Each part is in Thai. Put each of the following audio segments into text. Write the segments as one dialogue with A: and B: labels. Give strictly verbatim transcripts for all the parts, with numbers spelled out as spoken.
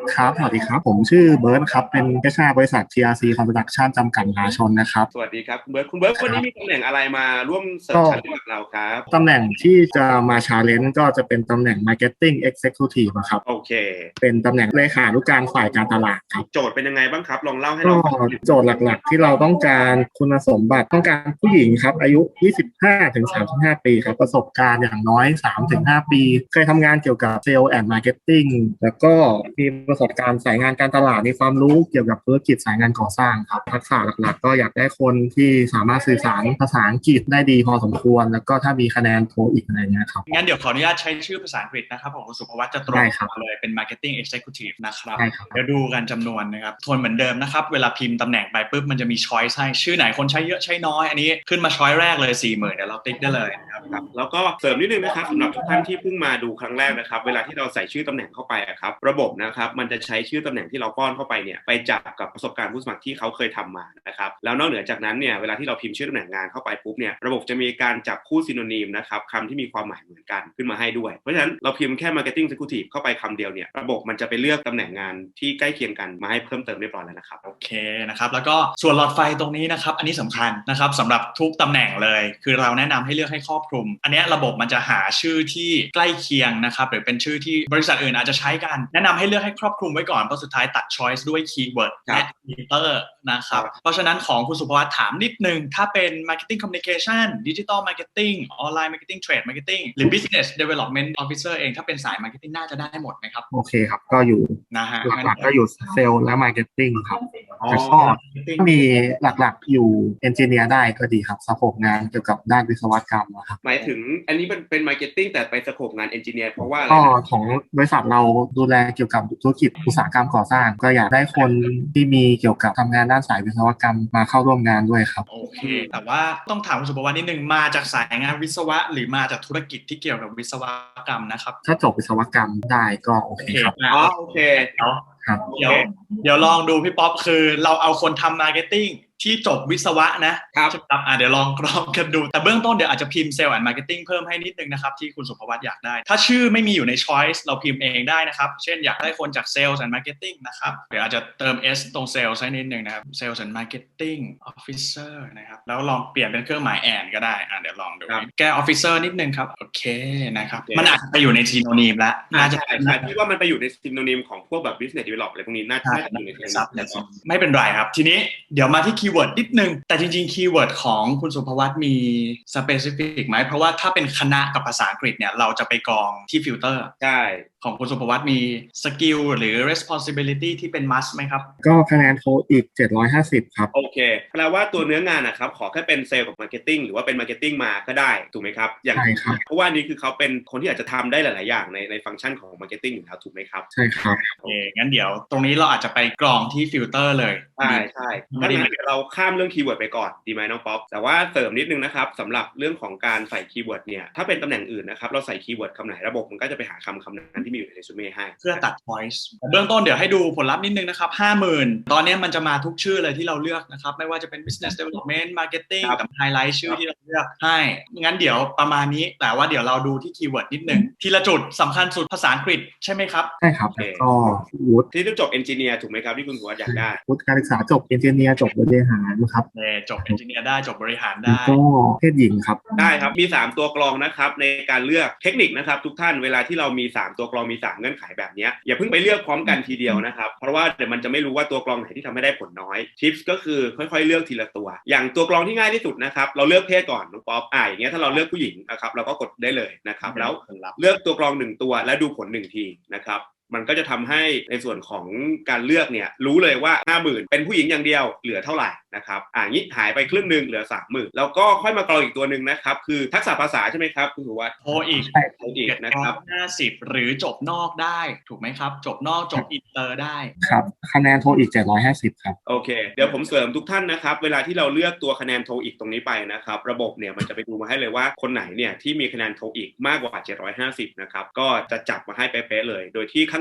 A: ครับสวัสดีครับผมชื่อเบิร์ตครับเป็น เอช อาร์ บริษัท ที อาร์ ซี Construction จำกัดมหาชนนะครับ
B: สวัสดีครับคุณเบิร์ตคุณเบิร์ต
A: ครับ
B: วันนี้มีตำแหน่งอะไรมาร่วมเสิร์ฟ
A: ก็
B: ชั้นเรื่องกับเราครับ
A: ตำแหน่งที่จะมาชาเลนจ์ก็จะเป็นตำแหน่ง Marketing Executive อะครับ
B: โอเค
A: เป็นตำแหน่งเลขานุการฝ่ายการตลาดครับ
B: โจทย์เป็นยังไงบ้างครับลองเล่าให้
A: ก็
B: เราฟัง
A: โจทย์หลักๆที่เราต้องการคุณสมบัติต้องการผู้หญิงครับอายุ ยี่สิบห้าถึงสามสิบห้า ปีครับประสบการณ์อย่างน้อย สามถึงห้า ปีเคยทำงานเกี่ยวกับ Sales and Marketing แล้วก็มีประสบการณ์สายงานการตลาดมีความรู้เกี่ยวกับธุรกิจสายงานก่อสร้างครับทักษะหลักๆก็อยากได้คนที่สามารถสื่อสารภาษาอังกฤษได้ดีพอสมควรแล้วก็ถ้ามีคะแนนโทอีกอะไรเงี้ยครับ
C: งั้นเดี๋ยวขออนุญาตใช้ชื่อภาษาอังกฤษนะครับของคุณสุภวัฒน์จะตรง
A: ได้ครับ
C: มาเลยเป็น Marketing Executive นะครับ
A: ได้ครับ
C: เดี๋ยวดูกันจำนวนนะครับทวนเหมือนเดิมนะครับเวลาพิมพ์ตำแหน่งไปปุ๊บมันจะมี choice ให้ชื่อไหนคนใช้เยอะใช้น้อยอันนี้ขึ้นมา choice แรกเลย สี่หมื่น เดี๋ยวเราติ๊กได้เลยนะครับ
B: ครับแล้วก็เสริมนิดนึงนะครับสำหรับทุกท่านที่เพิ่งมาดูครั้งแรกนะครับเวลาที่เราใส่ชื่อตำแหน่งเข้าไปอะครับระบบนะครับมันจะใช้ชื่อตำแหน่งที่เราป้อนเข้าไปเนี่ยไปจับกับประสบการณ์ผู้สมัครที่เขาเคยทำมานะครับแล้วนอกเหนือจากนั้นเนี่ยเวลาที่เราพิมพ์ชื่อตำแหน่งงานเข้าไปปุ๊บเนี่ยระบบจะมีการจับคู่ซิโนนิมนะครับคำที่มีความหมายเหมือนกันขึ้นมาให้ด้วยเพราะฉะนั้นเราพิมพ์แค่ Marketing Executive เข้าไปคำเดียวเนี่ยระบบมันจะไปเลือกตำแหน่งงานที่ใกล้เคียงกันมาให้เพิ่มเติมเรียบร้อยแล้วนะครับ
C: โอเคนะครับแล้วก็ส่วนหลอดไฟตรงนี้นะครับอันนี้สำคัญนะครับสำหรับทุกตำแหน่งเลยคือเราแนะนำให้เลือกให้ครอบคลุมอันนี้ระบบมันจะหาชื่อที่ใกล้เคียงนะครับหรือเป็นชื่อที่บริษัทอื่นอาจจะใช้กันแนะนำให้เลือกให้ครอบคลุมไว้ก่อนเพราะสุดท้ายตัด choice ด้วยคีย์เวิร์ดและฟีเตอร์นะครับเพราะฉะนั้นของคุณสุภวัฒน์ถามนิดนึงถ้าเป็น marketing communication digital marketing online marketing trade marketing หรือ business development officer เองถ้าเป็นสาย marketing น่าจะได้หมดไหมครับ
A: โอเคครับก็อยู่
C: นะฮะ
A: หลักๆก็อยู่เซลล์และมาร์เก็ตติ้งครับ
C: อ๋อ
A: แต่ก็ถ้ามีหลักๆอยู่เอนจิเนียร์ได้ก็ดีครับสโคปงานเกี่ยวกับด้านวิศวกรรมนะครับ
B: หมายถึงอันนี้มันเป็น Marketing แต่ไปสโคปงาน Engineer เพราะว่าอะไร
A: ก็
B: นะ
A: ของบริษัทเราดูแลเกี่ยวกับธุรกิจอุตสาหกรรมก่อสร้างก็อยากได้คนที่มีเกี่ยวกับทำงานด้านสายวิศวกรรมมาเข้าร่วมงานด้วยครับ
C: โอเคแต่ว่าต้องถามคุณสุภวัฒน์นิดนึงมาจากสายงานวิศวะหรือมาจากธุรกิจที่เกี่ยวกับวิศวกรรมนะครับ
A: ถ้าจบวิศวกรรมได้ก็โอเคครับ
B: อ๋อโอเค
C: เดี๋ยว
A: ครับ
C: เดี๋ยวเดี๋ยวลองดูพี่ป๊อปคือเราเอาคนทำมาร์เก็ตติ้งที่จบวิศวะนะครับครับอ่ะเดี๋ยวลองกรองกันดูแต่เบื้องต้นเดี๋ยวอาจจะพิมพ์เซลล์แอนด์มาร์เก็ตติ้งเพิ่มให้นิดนึงนะครับที่คุณสุภวัฒน์อยากได้ถ้าชื่อไม่มีอยู่ใน choice เราพิมพ์เองได้นะครับเช่นอยากได้คนจากเซลล์แอนด์มาร์เก็ตติ้งนะครับเดี๋ยวอาจจะเติม s ตรงเซลล์ให้นิดนึงนะครับเซลล์แอนด์มาร์เก็ตติ้งออฟฟิเซอร์นะครับแล้วลองเปลี่ยนเป็นเครื่องหมายแอนก็ได้อ่ะเดี๋ยวลองดูแก้ออฟฟิเซอร์นิดนึงครับโอเคนะครับมันอาจจะไปอยู่ในซีโนนีมแล้วน่าจะ
B: ใช่ใช่พี่ว่ามันไปอยู่ในซิโนนิมของพวกแบบ business develop อะไรพวกนี้น่าจะอยู่ในซิโนนิม
C: ไม่เป็นไรครับทีนี้เดี๋ยวมาที่คีย์เวิร์ดนิดนึงแต่จริงๆคีย์เวิร์ดของคุณสุภวัฒน์มี specific ไหมเพราะว่าถ้าเป็นคณะกับภาษาอังกฤษเนี่ยเราจะไปกรองที่ฟิลเตอร์
B: ใช่
C: ของคุณสุภวัฒน์มีสกิลหรือ responsibility ที่เป็น must ไหมครับ
A: ก็คะแนนโทอีกเจ็ดร้อยห้าสิบครับ
B: โอเคแปลว่าตัวเนื้องานนะครับขอแค่เป็นเซลล์กับมาร์เก็ตติ้งหรือว่าเป็นมาร์เก็ตติ้งมาก็ได้ถูกไหมครับอย่าง
A: ใช่ครับ
B: เพราะว่านี่คือเขาเป็นคนที่อาจจะทำได้หลายๆอย่างในในฟังก์ชันของมาร์เก็ตติ้งอยู่แล้วถูกไหมครับ
A: ใช่ครับ
C: โอเคงั้นเดี๋ยวตรงนี้เราอาจจะไปกรองที่ฟิลเตอร์เลย
B: ใช่ใช่ถ้างั้นเดี๋ยวเราข้ามเรื่องคีย์เวิร์ดไปก่อนดีไหมน้องป๊อปแต่ว่าเสริมนิดนึงนะครับสำหรับเรื่องของการใส่คีย์เวิร์ดเนี่ยถ้าเป็นตำแหน่งอื่นนะครับเราใส่คีย์เวิร์ดคำไหนระบบมันก็จะไปหาคำคำนั้นที่มีอยู่ในเรซูเม่ให้
C: เพื่อตัด voice เบื้องต้นเดี๋ยวให้ดูผลลัพธ์นิดนึงนะครับ ห้าหมื่น ตอนนี้มันจะมาทุกชื่อเลยที่เราเลือกนะครับไม่ว่าจะเป็น business development marketing กับ highlight ชื่อที่เราเลือกให้งั้นเดี๋ยวประมาณนี้แต่ว่าเดี๋ยวเราดูที่คีย์เวิร์ดนิดนึงทีละจุดสำคัญสุดภาษาอังกฤษใช่ไหมครับ
A: ใช่ครับก็วุฒิ
B: ที่ต้องจบเอนจิเนียร์ถูกไหมครับที่คุณหัวอยากได้
A: วุฒิการศึกษาจบเอนจิเนียร์จบบริหารครับ
C: จบเอนจิเนียร์ได้จบบริหารได้
A: ก็เพศหญิงครับ
B: ได้ครับมีสามตัวกรองนะครับในการเลือกเทคนิคนะครับทุกท่านเวลาที่เรามีสามตัวกรองมีสามเงื่อนไขแบบนี้อย่าเพิ่งไปเลือกพร้อมกันทีเดียวนะครับเพราะว่าเดี๋ยวมันจะไม่รู้ว่าตัวกรองไหนที่ทำให้ได้ผลน้อยทิปส์ก็คือค่อยๆเลือกทีละตัวอย่างตัวกรองที่ง่ายที่สุดนะครับเราเลือกเพศก่อนน้องป๊อปอ่าอย่างเงี้ยถ้าเราเลือกผู้หญิงนะครับเราก็กดได้เลยนะครับแล้วเลือกตัวกรองหนึ่งตัวและดูผลหนึ่งทีนะครับมันก็จะทำให้ในส่วนของการเลือกเนี่ยรู้เลยว่า ห้าหมื่น เป็นผู้หญิงอย่างเดียวเหลือเท่าไหร่นะครับอ่างี้หายไปครึ่งนึงเหลือ สามหมื่น แล้วก็ค่อยมากรองอีกตัวนึงนะครับคือทักษะภาษาใช่ไหมครับคุณสุวัฒน์
C: โทอีก
B: โทอีกนะครับ
C: ห้าสิบหรือจบนอกได้ถูกไหมครับจบนอกจบอินเตอร์ได้
A: ครับคะแนนโทอีกเจ็ดร้อยห้าสิบครับ
B: โอเคเดี๋ยวผมเสริมทุกท่านนะครับเวลาที่เราเลือกตัวคะแนนโทอีกตรงนี้ไปนะครับระบบเนี่ยมันจะไปดูมาให้เลยว่าคนไหนเนี่ยที่มีคะแนนโทอีกมากกว่าเจ็ดร้อยห้าสิบนะครับก็จะจับมาให้เป๊ะๆเลยโดยที่ข้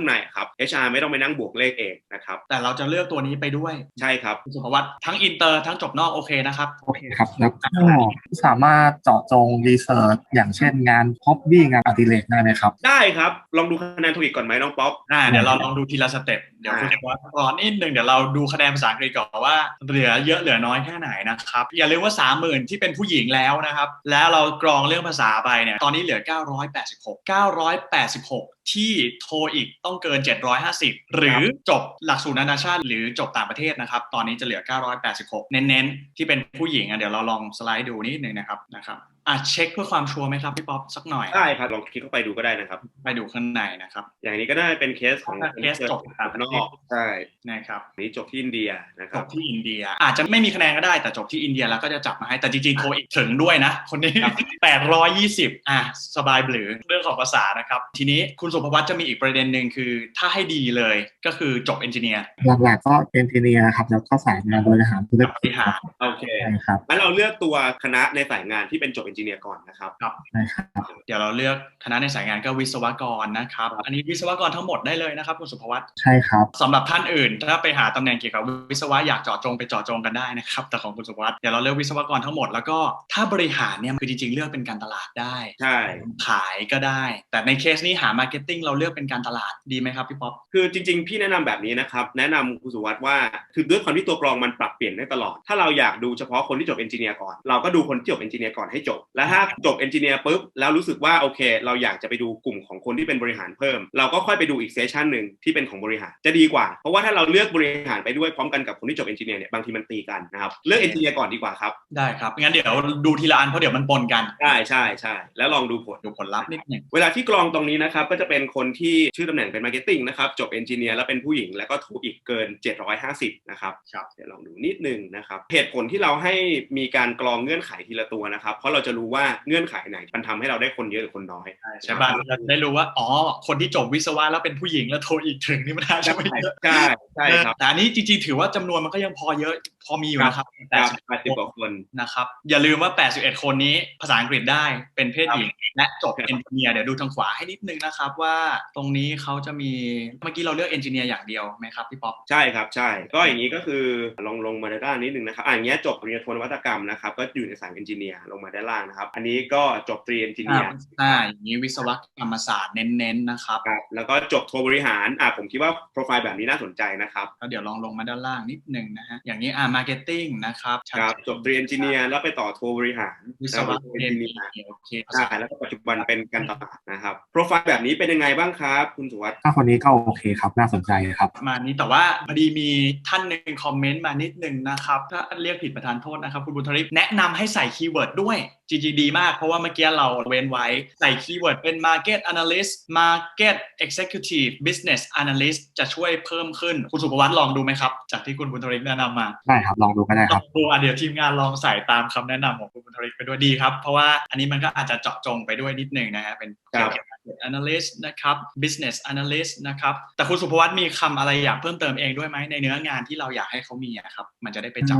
B: างในครับ เอช อาร์ ไม่ต้องไปนั่งบวกเลขเองนะครับ
C: แต่เราจะเลือกตัวนี้ไปด้วย
B: ใช่ครับ
C: สุภวัฒน์ทั้งอินเตอร์ทั้งจบนอกโอเคนะครับ
A: โอเคครับแล้วก็สามารถเจาะจงรีเสิร์ชอย่างเช่นงานฮ็อบบี้งานอดิเรกได้ไหมครับ
B: ได้ครับลองดูคะแนนโทอีกก่อนไหมน้องป๊อป
C: อ่าเดี๋ยวเราลองดูทีละสเต็ปเดี๋ยวคุณสุภวัฒน์ก่อนนิดนึงเดี๋ยวเราดูคะแนนภาษาอังกฤษก่อนว่าเหลือเยอะเหลือน้อยแค่ไหนนะครับอย่าลืมว่า สามหมื่น ที่เป็นผู้หญิงแล้วนะครับแล้วเรากรองเรื่องภาษาไปเนี่ยตอนนี้เหลือเก้าร้อยแปดสิบหก เก้าร้อยแปดสิบหกที่โทอีกต้องเกินเจ็ดร้อยห้าสิบหรือจบหลักสูตรนานาชาติหรือจบต่างประเทศนะครับตอนนี้จะเหลือเก้าร้อยแปดสิบหกเน้นๆที่เป็นผู้หญิงอ่ะเดี๋ยวเราลองสไลด์ดูนิดนึงนะครับนะครับอ่ะเช็คเพื่อความชัวร์ไหมครับพี่ป๊อปสักหน่อย
B: ได้ครับลองคลิกเข้าไปดูก็ได้นะครับ
C: ไปดูข้างในนะครับ
B: อย่างนี้ก็ได้เป็นเคสของ
C: เคสจบต่างประเทศ
B: ใช่
C: นะครับ
B: นี้จบที่อินเดียนะครับ
C: จบที่อินเดียอาจจะไม่มีคะแนนก็ได้แต่จบที่อินเดียแล้วก็จะจับมาให้แต่จริงๆโทอีกถึงด้วยนะคนนี้แปดร้อยยี่สิบอ่ะสบายหรือเรื่องของภาษานะครับทีนี้คุณสุภวัฒน์จะมีอีกประเด็นหนึ่งคือถ้าให้ดีเลยก็คือจบเอนจิเนียร์
A: หลักๆก็เอนจิเนียร์ครับแล้วก็สายงานบริหารธุรกิจ
B: โอเคครับงั้นเราเลือกตัวคณะในสายงานที่เป็นจบเอนจิเนียร์ก่อนนะครับ
C: ครับเดี๋ยวเราเลือกคณะในสายงานก็วิศวกรนะครับอันนี้วิศวกรทั้งหมดได้เลยนะครับคุณสุภวัฒน์
A: ใช่ครับ
C: สำหรับท่านอื่นถ้าไปหาตำแหน่งเกี่ยวกับวิศวะอยากเจาะจงไปเจาะจงกันได้นะครับแต่ของคุณสุภวัฒน์เดี๋ยวเราเลือกวิศวกรทั้งหมดแล้วก็ถ้าบริหารเนี่ยคือจริงๆเลือกเป็นการตลาดได้
B: ใช่
C: ขายก็ได้แต่ในเคสนี้หามาร์เก็ตติ้งเราเลือกเป็นการตลาดดีไหมครับพี่ป๊อป
B: คือจริงๆพี่แนะนำแบบนี้นะครับแนะนำคุณสุวัฒน์ว่าคือด้วยความที่ตัวกรองมันปรับเปลี่ยนได้ตลอดถ้าเราอยากดูเฉพาะคนที่จบเอนจิเนียร์ก่อนเราก็ดูคนที่จบเอนจิเนียร์ก่อนให้จบแล้วถ้าจบเอนจิเนียร์ปุ๊บแล้วรู้สึกว่าโอเคเราอยากจะไปดูกลุ่มของคนที่เป็นบริหารเพิ่มเราก็ค่อยไปดูอีกเซสชันหนึ่งที่เป็นของบริหารจะดีกว่าเพราะว่าถ้าเราเลือกบริหารไปด้วยพร้อมกันกับคนที่จบเอนจิเนียร์เนี่ยบางทีมันตีกันนะครับเลือกเอนจิเนียร์ก่อนดีกว่าครับ
C: ได้ครับงั้นเดี๋ยวดูทีละอันเพราะเดี๋ยวมันปนกัน
B: ใช่ใช่ใช่แล้วลองดูผล
C: ดูผลลัพธ์นิดนึง
B: เวลาที่กรองตรงนี้นะครับก็จะเป็นคนที่ชื่อตำแหน่งเป็นมาร์เก็ตติ้งนะครับจบเอนจิเนียร์แล้วเป็นผู้หญิงแล้วก็ถูกอีกเกินเจ็ดร้อยห้าสิบนะครับ
C: ครับ
B: เดี๋ยวลองดูนิดนึงนะครับเหตุผลที่เราให้มีการกรองเงื่อนไขทีละตัวนะครับเพราะเราจะรู้ว่าเงื่อนไขไหนมันทำให้เราได้คนเยอะหรือคนน้อย
C: ใช่ป่ะเราได้รู้ว่าอ๋อคนที่จบวิศวะแล้วเป็นผู้หญิงแล้วโทอีกถึงนี่มันน่าจะไม่เยอะ
B: ใช่ใช่ครับ
C: แต่อันนี้จริงๆถือว่าจำนวนมันก็ยังพอเยอะพอมีอยู่นะครับ
B: แปดสิบกว่าคน
C: นะครับอย่าลืมว่าแปดสิบเอ็ดคนนี้ภาษาอังกฤษได้เป็นเพศหญิงและจบเอนจิเนียร์เดี๋ยวดูทางขวาให้นิดนึงนะครับว่าตรงนี้เขาจะมีเมื่อกี้เราเลือกเอนจิเนียร์อย่างเดียวไหมครับพี่ป๊อป
B: ใช่ครับใช่ก็อย่างนี้ก็คือลงลงมาด้านล่างนิดนึงนะครับอ่าอย่างเงี้ยจบปริญญาโทนวัตกรรมนะครับก็อยู่ในสายเอนจิเนียร์ลงมาด้านล่างนะครับอันนี้ก็จบตรีเอนจิเนียร์
C: อ่าอย่างนี้วิศวกรรมศาสตร์เน้นๆนะครับ
B: แล้วก็จบโทบริหารอ่าผมคิดว่าโปรไฟล์แบบนี้น่าสนใจนะครับ
C: แล้วเดี๋ยวลองลงมาด้านล่างนิดนึงนะฮะอย่างนี้อ่ามาร์เก็ตติ้งนะครับ
B: ครับจบตรีเอนจิเนียร์แล้วไปต่อโทบริหาร
C: วิศวกรรมเอนจิเนียร์โอเค
B: ใช่แล้วก็ปัจจุบันเป็นการตลาดนะครับโปรไฟล์แบบนี้เป็นยังไงบ้างครับคุณสุวัฒน์
A: ถ้าคนนี้ก็โอเคครับน่าสนใจครับ
C: มานี้แต่ว่าพอดีมีท่านหนึ่งคอมเมนต์มานิดนึงนะครับถ้าเรียกผิดประธานโทษนะครับคุณบุญทริปแนะนำให้ใส่คีย์เวิร์ดด้วยจริงๆดีมากเพราะว่าเมื่อกี้เราเว้นไว้ใส่คีย์เวิร์ดเป็น Market Analyst Market Executive Business Analyst จะช่วยเพิ่มขึ้นคุณสุภวัฒน์ลองดูไหมครับจากที่คุณบุญทริปแนะนำมา
A: ได้ครับลองดูก็ได้ครับ
C: ดูอ่ะเดี๋ยวทีมงานลองใส่ตามคำแนะนำของคุณบุญทริปไปด้วยดีครับเพราะว่าอันนี้มันก็อาจจะเจาะจงไปด้วยนิดนึงนะฮะเป็น Analyst นะครับ Business Analyst นะครับแต่คุณสุภวัฒน์มีคำอะไรอยากเพิ่มเติมเองด้วยไหมในเนื้องานที่เราอยากให้เขามีครับมันจะได้ไปจับ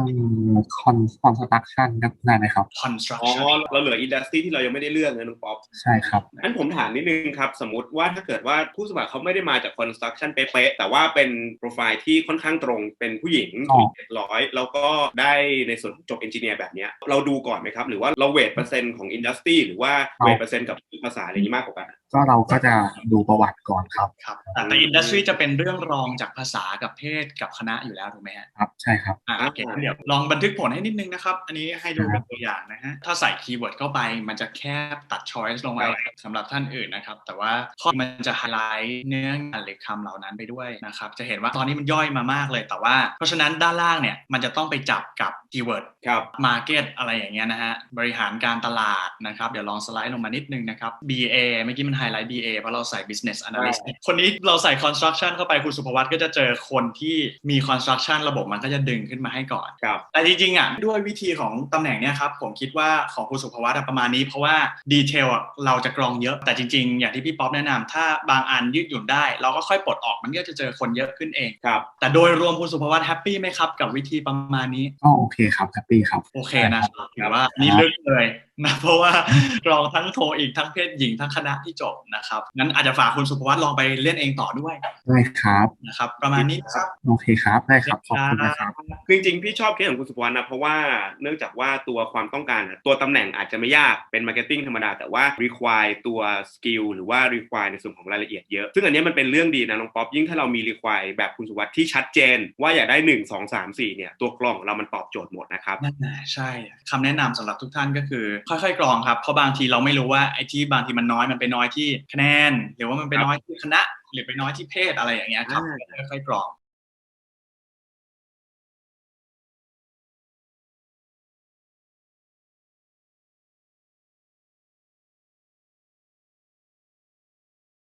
A: Construction ได้ไหมครับ
C: Construction
B: อ๋อเราเหลือ Industry ที่เรายังไม่ได้เลือกนะน้องป๊อป
A: ใช่ครับ
B: งั้นผมถามนิดนึงครับสมมติว่าถ้าเกิดว่าผู้สมัครเขาไม่ได้มาจาก Construction เป๊ะๆแต่ว่าเป็นโปรไฟล์ที่ค่อนข้างตรงเป็นผู้หญิงเจ็ดร้อยแล้วก็ได้ในส่วนจบ Engineer แบบนี้เราดูก่อนไหมครับหรือว่าเราเวทเปอร์เซ็นต์ของ Industry หรือว่าเวทเปอร์เซ็นต์กับภาษาอะไรนี้มากกว่ากัน
A: ก็เราก็จะดูประวัติก่อนครับ
C: ครับแต่อินดัสทรีจะเป็นเรื่องรองจากภาษากับเพศกับคณะอยู่แล้วถูกไหม
A: ครับใช่ครับ
C: อ่าโอเคเดี๋ยวลองบันทึกผลให้นิดนึงนะครับอันนี้ให้ดูเป็นตัวอย่างนะฮะถ้าใส่คีย์เวิร์ดเข้าไปมันจะแคบตัด choice ลงไปสำหรับท่านอื่นนะครับแต่ว่าข้อมันจะไฮไลท์เนื้องานหรือคำเหล่านั้นไปด้วยนะครับจะเห็นว่าตอนนี้มันย่อยมามากเลยแต่ว่าเพราะฉะนั้นด้านล่างเนี่ยมันจะต้องไปจับกับคีย์เวิร์ด
B: ครับ
C: market อะไรอย่างเงี้ยนะฮะบริหารการตลาดนะครับเดี๋ยวลองสไลด์ลงมานิดนึงนะครับ บี เอ เมื่อกี้มันไฮไลท์ บี เอ เพราะเราใส่ business analyst คนนี้เราใส่ construction เข้าไปคุณสุภวัฒน์ก็จะเจอคนที่มี construction ระบบมันก็จะดึงขึ้นมาให้ก่อนแต่จริงๆอ่ะด้วยวิธีของตำแหน่งเนี้ยครับผมคิดว่าของคุณสุภวัฒน์ประมาณนี้เพราะว่าดีเทลเราจะกรองเยอะแต่จริงๆอย่างที่พี่ป๊อปแนะนำถ้าบางอันยืดหยุ่นได้เราก็ค่อยปลดออกมันก็จะเจอคนเยอะขึ้นเอง
B: ครับ
C: แต่โดยรวมคุณสุภวัฒน์แฮปปี้ไหมครับกับวิธีประมาณนี้
A: ก็โอเคครับแฮปปี้ครับ
C: โอเคนะครับถือว่านี่ลึกเลยนะเพราะว่ากรองทั้งโทอีกทั้งเพศหญิงทั้งคณะที่จบนะครับงั้นอาจจะฝากคุณสุภวัฒน์ลองไปเล่นเองต่อด้วย
A: ได้ครับ
C: นะครับประมาณนี้นะครับ
A: โอเคครับได้ครับขอบคุณนะครับ
B: คือจริงๆพี่ชอบเคสของคุณสุภวรรณนะเพราะว่าเนื่องจากว่าตัวความต้องการอะตัวตำแหน่งอาจจะไม่ยากเป็นมาร์เก็ตติ้งธรรมดาแต่ว่า require ตัวสกิลหรือว่า require ในส่วนของรายละเอียดเยอะซึ่งอันนี้มันเป็นเรื่องดีนะน้องป๊อปยิ่งถ้าเรามี require แบบคุณสุวัสดิ์ที่ชัดเจนว่าอยากได้หนึ่ง สอง สาม สี่เนี่ยตัวกรองของเรามันตอบโจทย์หมดนะครับ
C: นั่นแหละใช่คำแนะนำสำหรับทุกท่านก็คือค่อยๆกรองครับเพราะบางทีเราไม่รู้ว่าไอ้ที่บางทีมันน้อยมันไปน้อยที่คะแนนหรือว่ามันไปน้อยที่คณะหรือไปน้อยที่เพศอะไรอย่างเงี้ยครับค่อยๆกรอง